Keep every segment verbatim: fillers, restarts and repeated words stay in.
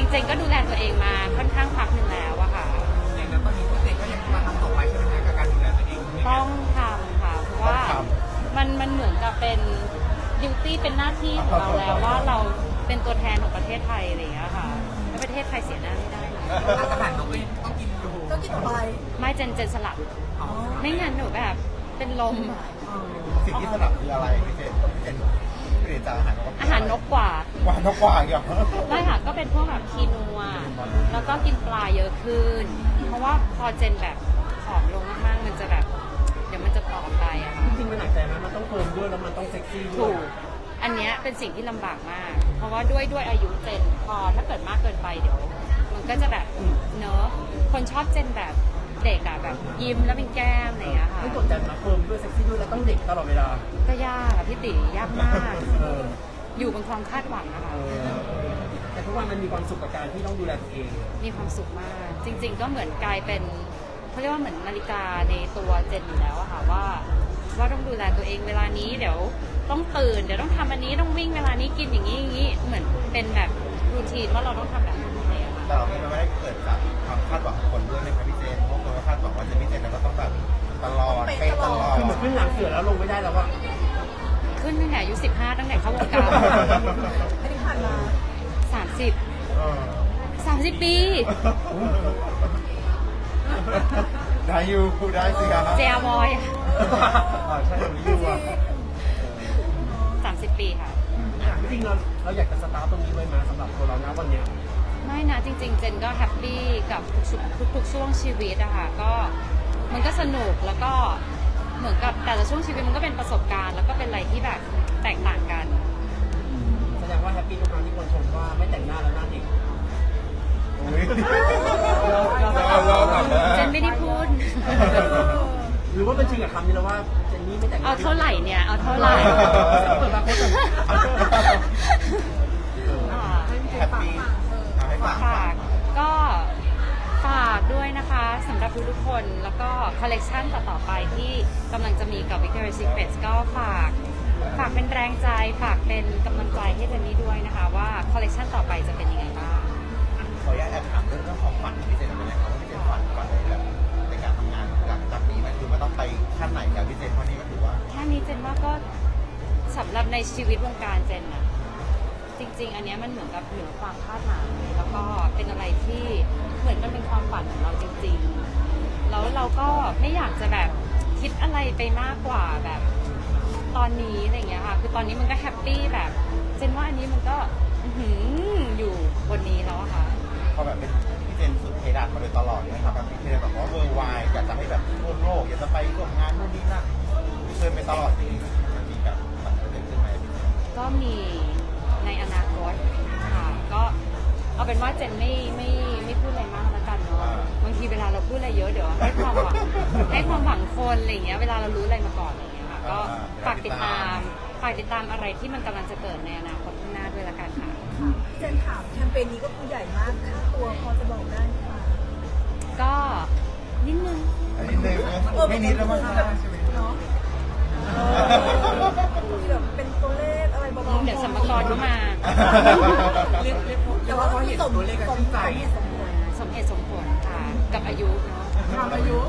ๆเจนก็ดูแลตัวเองมาค่อนข้างพักหนึ่งแล้วอะค่ะอย่างนั้นตอนนี้พี่เจนก็ยังมาทำต่อไปใช่ไหมคะกับการดูแลตัวเองต้องทำค่ะเพราะว่ามันมันเหมือนกับเป็นดิวตี้เป็นหน้าที่ของเราแล้วว่าเราเป็นตัวแทนของประเทศไทยอะไรอย่างเงี้ยค่ะแล้วประเทศไทยเสียหน้าไม่ได้นะอาหารนกเองต้องกินอยู่ต้องกินต่อไปไม่เจนเจนสลับไม่งั้นหนูแบบเป็นลมสิ่งที่สลับคืออะไรพี่เจนพี่เจนเปลี่ยนจากอาหารนกอาหารนกกว่าว่านกกว่าอีกเหรอไม่ค่ะก็เป็นพวกแบบคีนัวแล้วก็กินปลาเยอะขึ้นเพราะว่าพอเจนแบบผอมลงมากๆมันจะแบบเดี๋ยวมันจะตอบไปอะค่ะจริงๆมันหนักใจไหมมันต้องเฟิร์มด้วยแล้วมันต้องเซ็กซี่ด้วยถูกอันนี้เป็นสิ่งที่ลำบากมากเพราะว่าด้วยด้วยอายุเจนพอถ้าเกิดมากเกินไปเดี๋ยวมันก็จะแบบเนอะคนชอบเจนแบบเด็กอะแบบยิ้มแล้วเป็นแก้มอะไรอย่างเงี้ยค่ะไม่กดดันนะเฟิร์มด้วยเซ็กซี่ด้วยแล้วต้องเด็กตลอดเวลาก็ยากอะพี่ติ๋ยากมากอยู่บนความคาดหวังนะคะแต่ทุกวันมันมีความสุขกับการที่ต้องดูแลตัวเองมีความสุขมากจริงๆก็เหมือนกลายเป็นเขาเรียกว่าเหมือนนาฬิกาในตัวเจนอยู่แล้วอะค่ะว่าว่าต้องดูแลตัวเองเวลานี้เดี๋ยวต้องตื่นเดี๋ยวต้องทำอันนี้ต้องวิ่งเวลานี้กินอย่างนี้อย่างนี้เหมือนเป็นแบบรูทีนว่าเราต้องทำแบบนี้เลยค่ะแต่เราไม่ได้เกิดจากความคาดหวังของคนด้วยในพี่เจนเพราะคนก็คาดหวังว่าจะพี่เจนแล้วก็ต้องแบบตลอดเป๊ะตลอดคือเหมือนขึ้นหลังเสือแล้วลงไม่ได้แล้วว่าขึ้นตั้งแต่อายุสิบห้าตั้งแต่เข้าวงการอันนี้ผ่านมาสามสิบสามสิบปีได้อยู่ได้สิครับเจียบอยใช่ผมอยู่อ่ะสามสิบปีค่ะจริงๆเราเราอยากจะสตาร์ตตรงนี้ไว้มาสำหรับตัวเรานะวันนี้ไม่นะจริงๆเจนก็แฮปปี้กับทุกทุกช่วงชีวิตอะค่ะก็มันก็สนุกแล้วก็เหมือนกับแต่ละช่วงชีวิตมันก็เป็นประสบการณ์แล้วก็เป็นอะไรที่แบบแตกต่างกันแสดงว่าแฮปปี้ทุกครั้งที่คนชมว่าไม่แต่งหน้าแล้วหน้าเด็กเจนไม่ได้พูดหรือว่าเป็นจริงกับคำนี้แล้วว่าเจนนี่ไม่แต่งเอาเท่าไหร่เนี่ยเอาเท่าไหร่เปิดมาพูดแฮปปี้ฝากก็ฝากด้วยนะคะสำหรับทุกๆคนแล้วก็คอลเลกชันต่อๆไปที่กำลังจะมีกับ Victoria's Secret ก็ฝากฝากเป็นแรงใจฝากเป็นกำลังใจให้เจนนี่ด้วยนะคะว่าคอลเลกชันต่อไปจะเป็นยังไงบ้างขออนุญาตแอบถามเรื่องของฝันพี่เจนเป็นไงครับว่าพี่เจนฝันฝันแบบในการทำงานหลังจากนี้มันคือมันต้องไปขั้นไหนกับพี่เจนเพราะนี่ก็ถือว่าแค่นี้เจนว่าก็สำหรับในชีวิตวงการเจนอะจริงๆอันนี้มันเหมือนกับเหนือความคาดหมายแล้วก็เป็นอะไรที่เหมือนมันเป็นความฝันของเราจริงๆแล้วเราก็ไม่อยากจะแบบคิดอะไรไปมากกว่าแบบตอนนี้อะไรอย่างเงี้ยค่ะคือตอนนี้มันก็แฮปปี้แบบเจนว่าอันนี้มันก็อยู่บนนี้แล้วอะค่ะพอแบบเป็นพี่เจนสุดเพดานมาโดยตลอดเลยครับแบบพี่เจนแบบว่าเวอร์ไวอยากจะให้แบบทั่วโลกอยากจะไปร่วมงานนู่นนี่นั่นเคยไปตลอดจริงมันมีแบบมันเกิดขึ้นไหมก็มีในอนาคตค่ะก็เอาเป็นว่าเจนไม่ไม่ไม่พูดอะไรมากแล้วกันเนาะบางทีเวลาเราพูดอะไรเยอะเดี๋ยวให้ความหวังให้ความหวังคนอะไรอย่างเงี้ยเวลาเรารู้อะไรมาก่อนอะไรอย่างเงี้ยค่ะก็ฝากติดตามฝากติดตามอะไรที่มันกำลังจะเกิดในอนาคตข้างหน้าด้วยละกันค่ะเจนถามแคมเปญนี้ก็คือใหญ่มากค่าตัวพอจะบอกได้ไหมคะก็นิดนึงนิดนึงไม่นิดแล้วมั้งเนาะมีแบบเป็นตัวเลขอะไรเบาๆเดี๋ยวสัมภาระเข้ามาแต่ว่าเขาเห็นตัวเลขสมใจสมเหตุสมผลค่ะกับอายุเนาะอายุ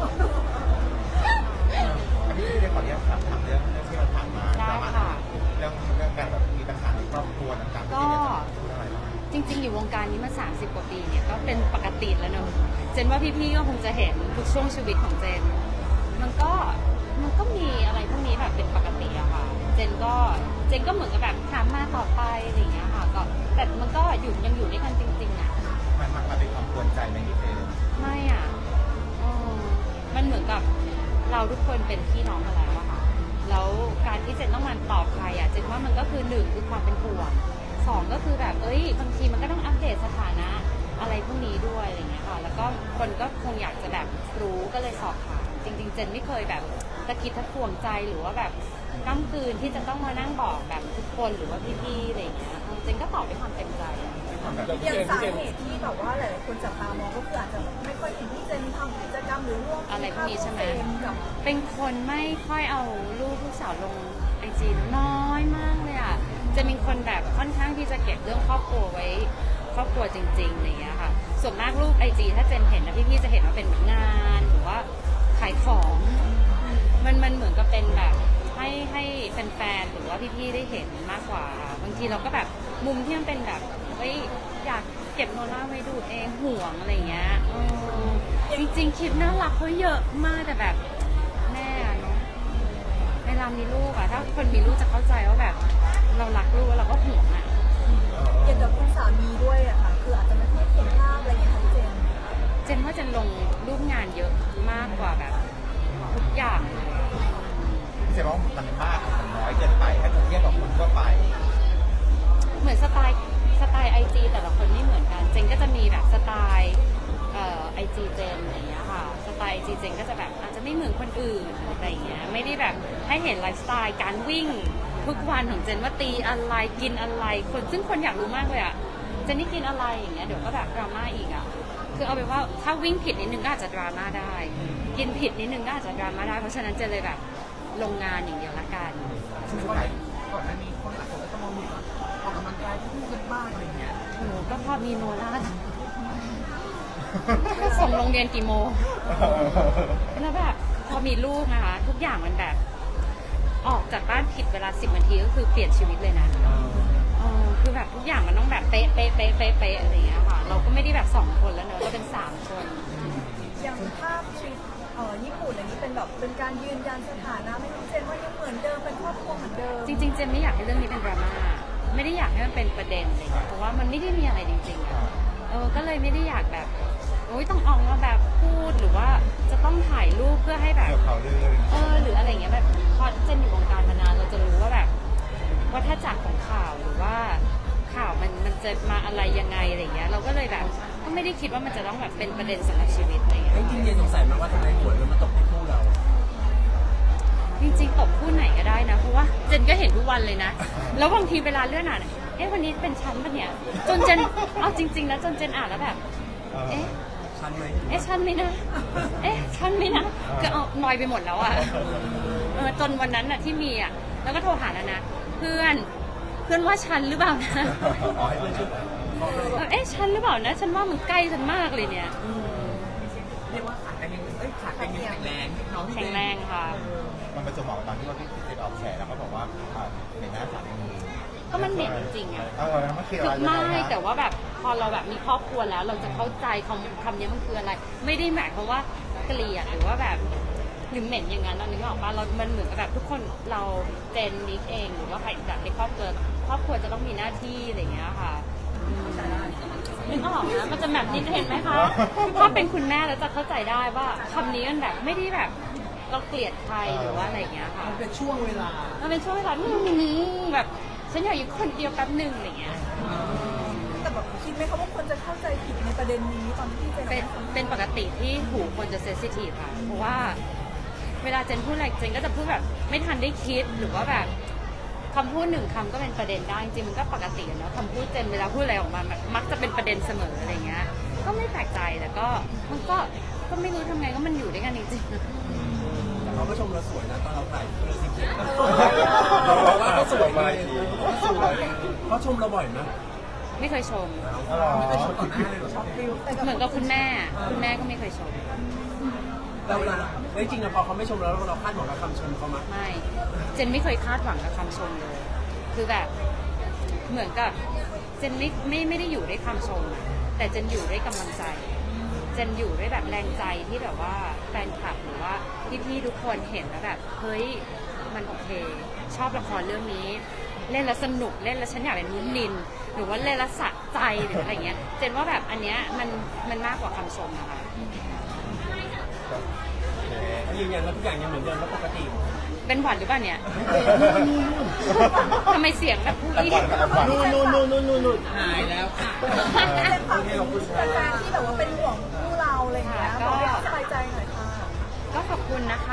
พี่เจนขออนุญาตถามถามเรื่องเรื่องที่เราผ่านมาได้ค่ะเรื่องเรื่องการแบบมีปัญหาในครอบครัวต่างๆก็จริงๆอยู่วงการนี้มาสามสิบกว่าปีเนี่ยก็เป็นปกติแล้วเนอะเจนว่าพี่ๆก็คงจะเห็นทุกช่วงชีวิตของเจนมันก็มันก็มีอะไรพวกนี้แบบเป็นปกติอะค่ะเจนก็เจนก็เหมือนกับแบบถามมาต่อไปอะไรอย่างเงี้ยค่ะก็แต่มันก็อยู่ยังอยู่ด้วยกันจริงๆอะมันมันเป็นความกวนใจไหมพี่เจนไม่อะมันเหมือนกับเราทุกคนเป็นพี่น้องกันแล้วอะค่ะแล้วการที่เจนต้องมาตอบใครอะเจนว่ามันก็คือหนึ่งคือความเป็นห่วงสองก็คือแบบเอ้ยบางทีมันก็ต้องอัปเดตสถานะอะไรพวกนี้ด้วยอะไรเงี้ยค่ะแล้วก็คนก็คงอยากจะแบบรู้ก็เลยสอบถามจริงๆเจนไม่เคยแบบตะกิดตะขวงใจหรือว่าแบบก้ำกืนที่จะต้องมานั่งบอกแบบทุกคนหรือว่าพี่ๆอะไรเงี้ยเจนก็ตอบด้วยความเต็มใจอย่างสาเหตุที่แบบว่าหลายๆคนจับตามองก็คืออาจจะไม่ค่อยเห็นที่เจนทำกิจกรรมหรือร่วมอะไรพวกนี้ใช่ไหมเป็นคนไม่ค่อยเอารูปลูกสาวลงไอจีน้อยมากเลยอ่ะจะมีคนแบบค่อนข้างที่จะเก็บเรื่องครอบครัวไว้ครอบครัวจริงๆอะไรอย่างเงี้ยค่ะส่วนมากรูปไอจีถ้าเจนเห็นนะพี่ๆจะเห็นว่าเป็นงานหรือว่าขายของมันมันเหมือนกับเป็นแบบให้ให้แฟนๆหรือว่าพี่ๆได้เห็นมากกว่าบางทีเราก็แบบมุมที่มันเป็นแบบเฮ้ยอยากเก็บโนล่าไว้ดูเองห่วงอะไรอย่างเงี้ยเออจริงๆคลิปน่ารักเขาเยอะมากแต่แบบแม่อะเนาะเวลามีลูกอะถ้าคนมีลูกจะเข้าใจว่าแบบเรารักลูกแล้วเราก็ห่วงอะเกี่ยวกับคุณสามีด้วยอะค่ะคืออาจจะไม่ค่อยเห็นภาพอะไรอย่างเงี้ยค่ะพี่เจนเจนว่าเจนลงรูปงานเยอะมากกว่าแบบทุกอย่างเลยพี่เจนว่ามันมากมันน้อยเกินไปถ้าจะเทียบกับคนทั่วไปเหมือนสไตล์สไตล์ไอจีแต่ละคนไม่เหมือนกันเจนก็จะมีแบบสไตล์เอ่อไอจีเจนอะไรอย่างเงี้ยค่ะสไตล์ไอจีเจนก็จะแบบอาจจะไม่เหมือนคนอื่นอะไรอย่างเงี้ยไม่ได้แบบให้เห็นไลฟ์สไตล์การวิ่งทุกวันของเจนว่าตีอะไรกินอะไรคนซึ่งคนอยากรู้มากเลยอะเจนนี่กินอะไรอย่างเงี้ยเดี๋ยวก็แบบดราม่าอีกอะคือเอาเป็นว่าถ้าวิ่งผิดนิดนึงก็อาจจะดราม่าได้ กินผิดนิดนึงก็อาจจะดราม่าได้เพราะฉะนั้นเจนเลยแบบลงงานอย่างเดียวละกันซึ่งก่อนก่อนหน้านี้คนหลายคนก็จะมองว่าออกกำลังกายคู่กันบ้างอะไรอย่างเงี้ยโอ้โหก็พอมีโนล่าส่งโรงเรียนกี่โมง แล้วแบบพอมีลูกนะคะ ทุกอย่างมันแบบ ออกจากบ้านผิดเวลาสิบนาทีก็คือเปลี่ยนชีวิตเลยนะเออคือแบบทุกอย่างมันต้องแบบเป๊ะเป๊ะเป๊ะเป๊ะเป๊ะอะไรอย่างเงี้ยค่ะ เราก็ไม่ได้แบบสองคนแล้วเนอะเราเป็นสามคนอย่างภาพทริปเอ่อญี่ปุ่นอันนี้เป็นแบบเป็นการยืนยันสถานะไม่พี่เจนว่ายังเหมือนเดิมเป็นครอบครัวเหมือนเดิมจริงๆ เจนไม่อยากให้เรื่องนี้เป็นดราม่า ไม่ได้อยากให้มันเป็นประเด็นอะไรอย่างเลยเพราะว่ามันไม่ได้มีอะไรจริงๆอะเออ ก็เลยไม่ได้อยากแบบโอ๊ยต้องออกมาแบบพูดหรือว่าจะต้องถ่ายรูปเพื่อให้แบบเกี่ยวเขาเรื่องเออหรืออะไรอย่างเงี้ยแบบพอเจนอยู่วงการมานานเราจะรู้ว่าแบบว่าถ้าจากของข่าวหรือว่าข่าวมันมันจะมาอะไรยังไงอะไรอย่างเงี้ยเราก็เลยแบบก็ไม่ได้คิดว่ามันจะต้องแบบเป็นประเด็นสำหรับชีวิตอะไรอย่างเงี้ยจริงๆเจนสงสัยมากว่าทำไมหวยมันมาตกที่คู่เราจริงๆตบคู่ไหนก็ได้นะเพราะว่าเจนก็เห็นทุกวันเลยนะแล้วบางทีเวลาเลื่อนอ่านเอ๊ะวันนี้เป็นชั้นปะเนี่ยจนเจนเอาจริงๆนะจนเจนอ่านแล้วแบบเอ๊ะชันไหมเอ๊ะชั้นไหมนะเอ๊ะชั้นไหมนะก็เอานอยไปหมดแล้วอ่ะเออจนวันนั้นอ่ะที่มีอ่ะแล้วก็โทรหาแล้วนะเพื่อนเพื่อนว่าชั้นหรือเปล่านะอ๋อให้เพื่อนช่วยเออเอ๊ะชั้นหรือเปล่านะฉันว่ามันใกล้ฉันมากเลยเนี่ยอืมเรียกว่าขาดกันยังเอ้ยขาดกันยังแข็งแรงน้องพี่แข็งแรงค่ะมันเป็นสมองตอนที่ว่าพี่เจนออกแฉแล้วก็บอกว่าอ่าในหน้าสามีก็มันเหม็นจริงๆอ่ะเออมันคือคืออะไรไม่ยังงฮะแต่ว่าแบบพอเราแบบมีครอบครัวแล้วเราจะเข้าใจคำคำนี้มันคืออะไร ไม่ได้หมายความว่าเกลียดหรือว่าแบบหรือเหม็นอย่างนั้นเรานึกออกปะเรา มันเหมือนกับแบบทุกคนเราเจนนิกเองหรือว่าใครแบบในครอบครัวครอบครัวจะต้องมีหน้าที่อะไรอย่างเงี้ยค่ะอืมนึกออกนะมันจะแบบนี้เห็นไหมคะถ้าเป็นคุณแม่แล้วจะเข้าใจได้ว่าคำนี้มันแบบไม่ได้แบบเราเกลียดใครหรือว่าอะไรอย่างเงี้ยค่ะมันเป็นช่วงเวลามันเป็นช่วงเวลาอื้อหือแบบฉันอยากอยู่คนเดียวแป๊บหนึ่งอะไรเงี้ยแต่แบบคิดไหมคะว่าคนจะเข้าใจผิดในประเด็นนี้ตอนที่พี่เจนเป็นเป็นปกติที่หูคนจะเซนซิทีฟค่ะ เพราะว่าเวลาเจนพูดอะไรเจนก็จะพูดแบบไม่ทันได้คิดหรือว่าแบบคำพูดหนึ่งคำก็เป็นประเด็นได้จริงๆมันก็ปกติเนาะคำพูดเจนเวลาพูดอะไรออกมาแบบมักจะเป็นประเด็นเสมออะไรเงี้ย ก็ไม่แปลกใจแต่ก็มันก็ก็ไม่รู้ทำไงก็มันอยู่ด้วยกันจริงๆแต่เขาก็ชมเราสวยนะตอนเราถ่ายเราสิบเจ็ดเราบอกว่าเขาสวยเลยเขาสวยเขาชมเราบ่อยนะไม่เคยชมอ๋อไม่ได้ชมต่อหน้าเลยเหรอชอบฟิลเหมือนกับคุณแม่ คุณแม่ก็ไม่เคยชมเราเวลาแล้วจริงๆอะพอเขาไม่ชมเราเราคาดหวังกับคำชมเขามั้ยไม่ เจนไม่เคยคาดหวังกับคำชมเลย คือแบบเหมือนกับเจนไม่ไม่ไม่ได้อยู่ด้วยคำชมอะแต่เจนอยู่ด้วยกำลังใจ เจนอยู่ด้วยแบบแรงใจที่แบบว่าแฟนคลับหรือว่าพี่ๆทุกคนเห็นแล้วแบบเฮ้ยมันโอเค ชอบละครเรื่องนี้ เล่นแล้วสนุกเล่นแล้วฉันอยากเป็นมุ้นนิน หรือว่าเล่นแล้วสะใจหรืออะไรเงี้ย เจนว่าแบบอันเนี้ยมันมันมากกว่าคำชมนะคะเขายืนยันว่าทุกอย่างยังเหมือนเดิมและปกติเป็นหวัดหรือเปล่าเนี่ย ทำไมเสียงแบบผู้แต่อี้ก่อนแต่ก่อนนู่นนู่นนู่นนู่นนู่นหายแล้วค่ะพี่เจนฝากถึงแฟนๆที่แบบว่าเป็นห่วงคู่เราอะไรอย่างเงี้ยบอกให้เขาสบายใจหน่อยค่ะก็ขอบคุณนะคะ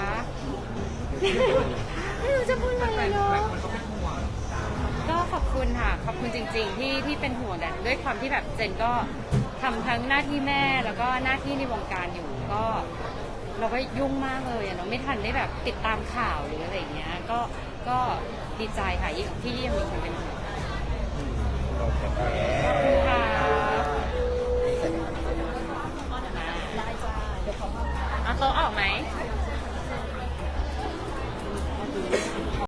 ไม่รู้จะพูดอะไรเลยเนาะมันก็เป็นห่วงก็ขอบคุณค่ะ ขอบคุณจริง ๆ ที่ที่เป็นห่วงแต่ด้วยความที่แบบเจนก็ทำทั้งหน้าที่แม่แล้วก็หน้าที่ในวงการอยู่ก็เราก็ยุ่งมากเลยอะเนาะไม่ทันได้แบบติดตามข่าวหรืออะไรอย่างเงี้ย ก็ก็ดีใจค่ะยิ่งที่ยังมีคนเป็นห่วงโอเคขอบคุณค่ะโต๊ะออกไหม